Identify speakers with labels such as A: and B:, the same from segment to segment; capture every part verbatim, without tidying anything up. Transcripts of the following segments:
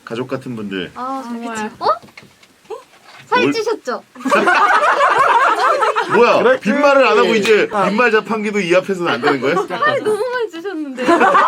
A: 가족 같은 분들.
B: 아 정말. 어? 살 찌셨죠?
A: 뭐야?
C: 그렇지.
A: 빈말을 안 하고 이제 빈말 자판기도 이 앞에서는 안 되는 거예요?
B: 살 너무 많이 찌셨는데.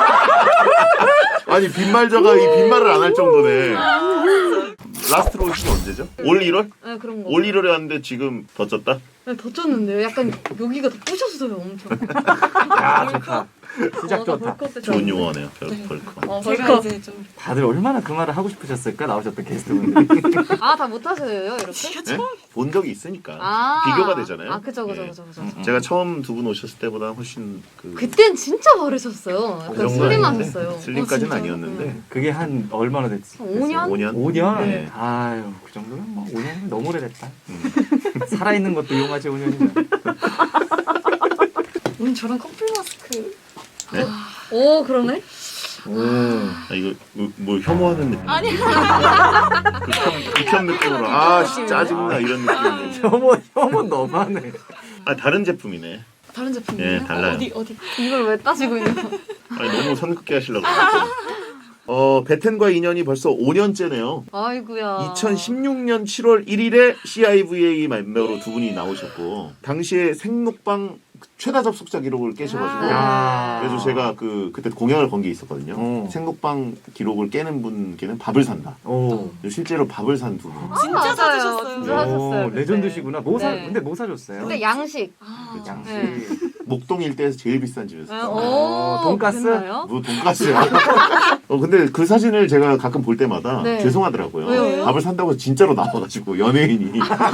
A: 아니 빈말자가 이 빈말을 안 할 정도네. 라스트로 오신 게 언제죠? 올 일월?
B: 네 그런 거.
A: 올 일월에 왔는데 지금 더 쪘다?
B: 네, 더 쪘는데요. 약간 여기가 더 부셨어요 엄청.
C: 야 좋다. 시작
B: 어, 나
C: 좋다.
B: 벌컥 때
A: 좋은
B: 쪘는데.
A: 용어네요. 별, 벌컥.
B: 어,
D: 제가
B: 벌컥.
D: 이제 좀
C: 다들 얼마나 그 말을 하고 싶으셨을까 나오셨던 게스트분들이.
B: 아, 다 못하세요, 이렇게?
A: 네? 본 적이 있으니까
B: 아.
A: 비교가 되잖아요.
B: 아, 그죠, 그죠,
A: 예.
B: 그죠, 그죠.
C: 음.
A: 제가 처음 두 분 오셨을 때보다 훨씬 그
B: 그땐 진짜 바르셨어요.
A: 그
B: 약간
A: 정도
B: 슬림하셨어요.
A: 아닌데? 슬림까지는
D: 어, 진짜요?
A: 아니었는데
C: 그게 한 얼마나 됐지?
B: 오 년?
A: 오 년?
C: 오 년?
A: 네.
C: 아유 그 정도면 뭐 오 년이면 너무 오래됐다.
A: 음.
C: 살아있는 것도 이용하지 오 년이면.
D: 오늘 저랑 커플 마스크
A: 네?
B: 오, 그러네?
C: 오.
A: 아, 이거 뭐, 뭐 혐오하는 느낌.
D: 아니
A: 극혐, 극혐 느낌으로 아 씨, 짜증나 이런 느낌인데.
C: 혐오 혐오 너무하네.
A: 아 다른 제품이네.
D: 다른 제품이에요?
A: 예, 달라요.
D: 어디 어디
B: 이걸 왜 따지고 있는 거?
A: 아니 너무 선긋게 하시려고. 어 베텐과 인연이 벌써 오 년째네요.
B: 아이고야.
A: 이천십육 년 칠월 일일에 씨아이브이에이 멤버로 두 분이 나오셨고 당시에 생록방 최다 접속자 기록을 깨셔가지고
C: 야.
A: 그래서 제가 그 그때 공약을 건 게 있었거든요.
C: 어.
A: 생록방 기록을 깨는 분께는 밥을 산다.
C: 오.
A: 실제로 밥을 산 두 분.
D: 진짜
B: 맞아요.
D: 사주셨어요.
B: 진짜 하셨어요.
C: 오,
B: 그때.
C: 레전드시구나. 뭐 사?
B: 네.
C: 근데 뭐 사줬어요?
B: 근데 양식.
D: 아,
C: 양식.
B: 네.
A: 목동 일대에서 제일 비싼
B: 아,
A: 집이었어요.
C: 어, 돈가스?
B: 됐나요?
A: 뭐 돈가스야. 어 근데 그 사진을 제가 가끔 볼 때마다
B: 네.
A: 죄송하더라고요.
B: 왜요, 왜요?
A: 밥을 산다고 진짜로 나와가지고 연예인이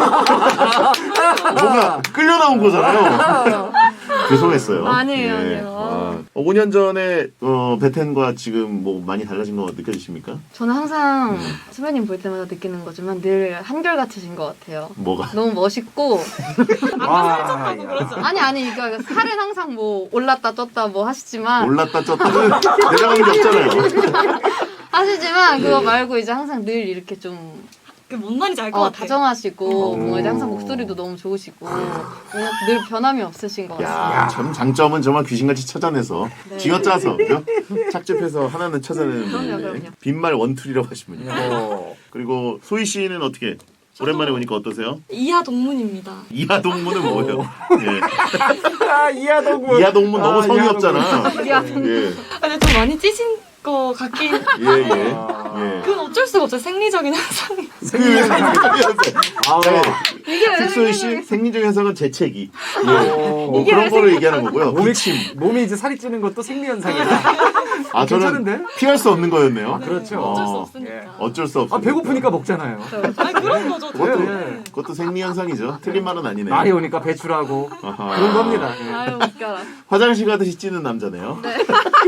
A: 뭔가 끌려 나온 거잖아요. 죄송했어요.
B: 아니에요,
A: 예.
B: 아니에요.
A: 와. 어, 오 년 전에 어, 베텐과 지금 뭐 많이 달라진 거 느껴지십니까?
B: 저는 항상
A: 음.
B: 수배님 볼 때마다 느끼는 거지만 늘 한결같으신 것 같아요.
A: 뭐가?
B: 너무 멋있고
C: 와,
B: 아니 아니 그러니까 살은 항상 뭐 올랐다 쪘다 뭐 하시지만
A: 올랐다 쪘다는 내려가는 게 없잖아요.
B: 하시지만 그거
A: 예.
B: 말고 이제 항상 늘 이렇게 좀
D: 그뭔 말인지 알 것
B: 어,
D: 같아요.
B: 다정하시고
C: 어.
B: 뭔가 이제 항상 목소리도 너무 좋으시고 뭔가 늘 변함이 없으신 것 같습니다.
A: 야, 참 장점은 정말 귀신같이 찾아내서
B: 네.
A: 쥐어짜서 그죠? 착즙해서 하나는 찾아내는
B: 그럼요,
A: 분인데
B: 그럼요.
A: 빈말 원툴이라고 하시면요.
C: 어.
A: 그리고 소희 씨는 어떻게 오랜만에 보니까 어떠세요?
D: 이하 동문입니다.
A: 이하 동문은 뭐예요? 예.
C: 아 이하 동문.
A: 이하 동문 너무
C: 아,
A: 성의
C: 이하
A: 없잖아.
B: 이하 동문.
A: 예,
D: 근데 좀 많이 찌신 것 같긴.
A: 예, 예.
C: 아.
A: 예.
D: 그건 어쩔 수가 없어요. 생리적인 현상이.
A: 그 생리적 현상.
C: 아.
B: 이게 왜
A: 색소희 씨
B: 생각나게-
A: 생리적 현상은 재채기. 예.
C: 오.
A: 뭐
B: 이게
A: 그런
B: 왜
A: 거를 얘기하는 거고요.
C: 몸이
A: 기침.
C: 몸이 이제 살이 찌는 것도 생리 현상이다.
A: 아 저는
C: 괜찮은데?
A: 피할 수 없는 거였네요.
C: 아, 그렇죠.
D: 어쩔 수
A: 어,
D: 없으니까.
C: 예.
A: 어쩔 수 없어.
C: 아 배고프니까 먹잖아요.
D: 아니 그런 거죠.
A: 그것도
C: 예, 예.
A: 그것도 생리 현상이죠. 틀린 말은 아니네.
C: 말이 오니까 배출하고
A: 아하.
C: 그런 겁니다. 예.
B: 아유 웃겨라.
A: 화장실 가듯이 찌는 남자네요.
B: 네.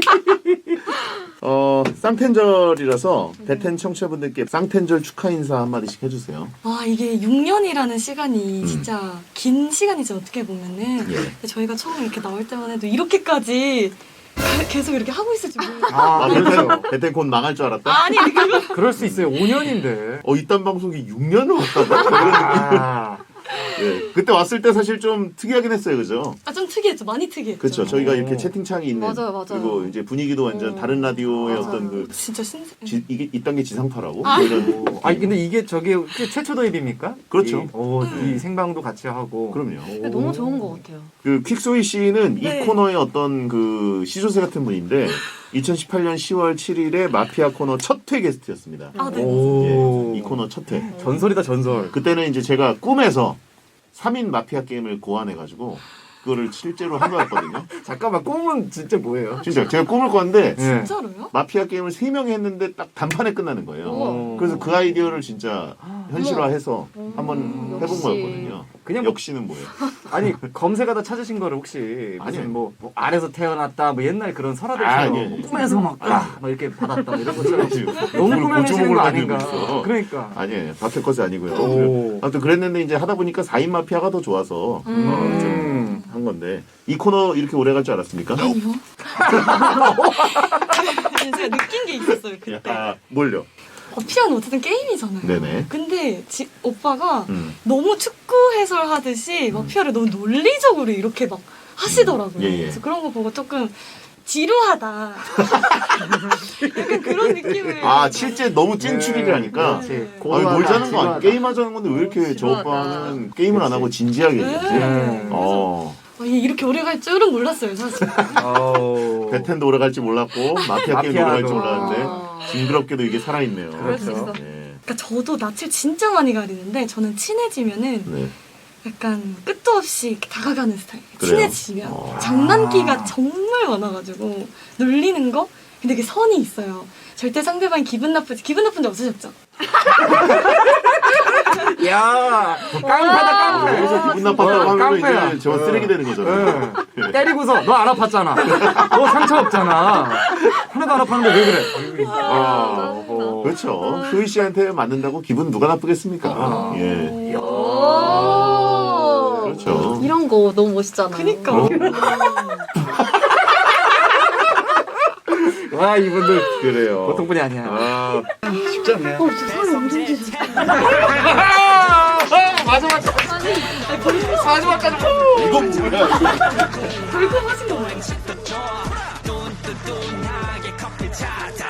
A: 어 쌍텐절이라서 베텐 청취자분들께 쌍텐절 축하 인사 한 마디씩 해주세요.
D: 와 이게 육 년이라는 시간이
A: 음.
D: 진짜 긴 시간이죠. 어떻게 보면은.
A: 예.
D: 근데 저희가 처음에 이렇게 나올 때만 해도 이렇게까지 계속 이렇게 하고 있을지 몰랐어요.
C: 아
A: 아
C: 그렇죠.
A: 베텐 베텐 곧 망할 줄 알았다.
D: 아니 그거
C: 그럴 수 있어요. 오 년인데.
A: 어 이딴 방송이 육 년을 왔다고 이런 느낌.
C: 아,
A: 예. 그때 왔을 때 사실 좀 특이하긴 했어요, 그죠?
D: 아, 좀 특이했죠. 많이 특이했죠.
A: 그렇죠. 저희가
C: 오.
A: 이렇게 채팅창이 있는
B: 맞아요, 맞아요.
A: 그리고 이제 분위기도 완전
D: 어.
A: 다른 라디오의
B: 맞아요.
A: 어떤 그
D: 진짜 신세.
A: 지, 이게 이딴 게 지상파라고
D: 아.
A: 이런
C: 오. 아니 근데 이게 저게 최초 도입입니까?
A: 그렇죠.
C: 이, 오, 이 생방도 같이 하고.
A: 그럼요.
B: 근데 너무 좋은 것 같아요.
A: 그 퀵소희 씨는
D: 네.
A: 이 코너의 어떤 그 시조새 같은 분인데 이천십팔 년 시월 칠일에 마피아 코너 첫 회 게스트였습니다.
D: 아 네.
C: 오.
A: 예, 이 코너 첫 회.
C: 전설이다 전설.
A: 그때는 이제 제가 꿈에서 삼 인 마피아 게임을 고안해가지고 그거를 실제로 한 거였거든요.
C: 잠깐만 꿈은 진짜 뭐예요?
A: 진짜 제가 꿈을 꿨는데
C: 예.
D: 진짜로요?
A: 마피아 게임을 세 명이 했는데 딱 단판에 끝나는 거예요.
B: 우와.
A: 그래서 그 아이디어를 진짜 현실화해서
B: 음,
A: 한번 해본
B: 역시.
A: 거였거든요.
C: 그냥 뭐-
A: 역시는 뭐예요?
C: 아니 검색하다 찾으신 거를 혹시
A: 아니요.
C: 무슨 뭐, 뭐 아래서 태어났다 뭐 옛날 그런
A: 아,
C: 설화들처럼
A: 아니요.
C: 뭐 꿈에서 막, 아, 막 이렇게 받았다 뭐 이런 것처럼 너무
A: 그걸
C: 꾸며내시는 거
A: 고주먹을
C: 아닌가.
A: 만들고 있어.
C: 그러니까.
A: 아니에요. 박해 것이 아니고요.
C: 오.
A: 아무튼 그랬는데 이제 하다 보니까 사 인 마피아가 더 좋아서
B: 음.
A: 어, 좀
C: 음.
A: 한 건데 이 코너 이렇게 오래 갈 줄 알았습니까?
D: 아니요. 제가 느낀 게 있었어요 그때.
A: 야, 뭘요?
D: 어, 피아노 어쨌든 게임이잖아요.
A: 네네.
D: 근데 지, 오빠가
A: 음.
D: 너무 축구 해설하듯이 마피아를 너무 논리적으로 이렇게 막 하시더라고요.
A: 음. 예, 예.
D: 그래서 그런 거 보고 조금 지루하다. 약간 그런 느낌을.
A: 아 실제 너무 찐 추리를 하니까
C: 그렇지.
D: 네.
A: 아니 뭘 자는 거 아니야?
C: 지루하다.
A: 게임하자는 건데 왜 이렇게 저
B: 지루하다.
A: 오빠는 게임을 안 하고 진지하게 얘기했지?
D: 네.
A: 어.
D: 아, 얘 이렇게 오래 갈 줄은 몰랐어요, 사실.
C: 어우.
A: 배텐도 오래 갈지 몰랐고 마피아 게임도 오래 갈지
C: 마피아도.
A: 몰랐는데
B: 아.
A: 징그럽게도 이게 살아있네요.
B: 그럴 수
C: 그렇죠.
B: 있어.
A: 네.
D: 그러니까 저도 낯을 진짜 많이 가리는데 저는 친해지면은
A: 네.
D: 약간 끝도 없이 이렇게 다가가는 스타일.
A: 그래요?
D: 친해지면
A: 어.
D: 장난기가 정말 많아가지고 놀리는 거. 근데 그게 선이 있어요. 절대 상대방이 기분 나쁘지 기분 나쁜 적 없으셨죠?
C: 야, 깡패다 깡패.
A: 여기서 기분 나빴다고
C: 어,
A: 하면
C: 깡패야.
A: 이제 저
C: 어.
A: 쓰레기 되는 거잖아요.
C: 응. 때리고서 너 안 아팠잖아. 너 상처 없잖아. 하나도 안 아팠는데 왜 그래?
A: 아,
C: 어.
A: 그렇죠. 효희 씨한테 맞는다고 기분 누가 나쁘겠습니까?
C: 아.
A: 예.
B: 오.
A: 그렇죠.
B: 이런 거 너무 멋있잖아요.
D: 그니까.
A: 어?
C: 와, 이분들
A: 그래요.
C: 보통 분이 아니야.
A: 아,
C: 쉽지 않네요.
B: 어, 저 사람 엄청 좋지.
C: 마지막 마지막까지.
A: 이건 뭐야?
D: 돌고 하신 거 뭐예요?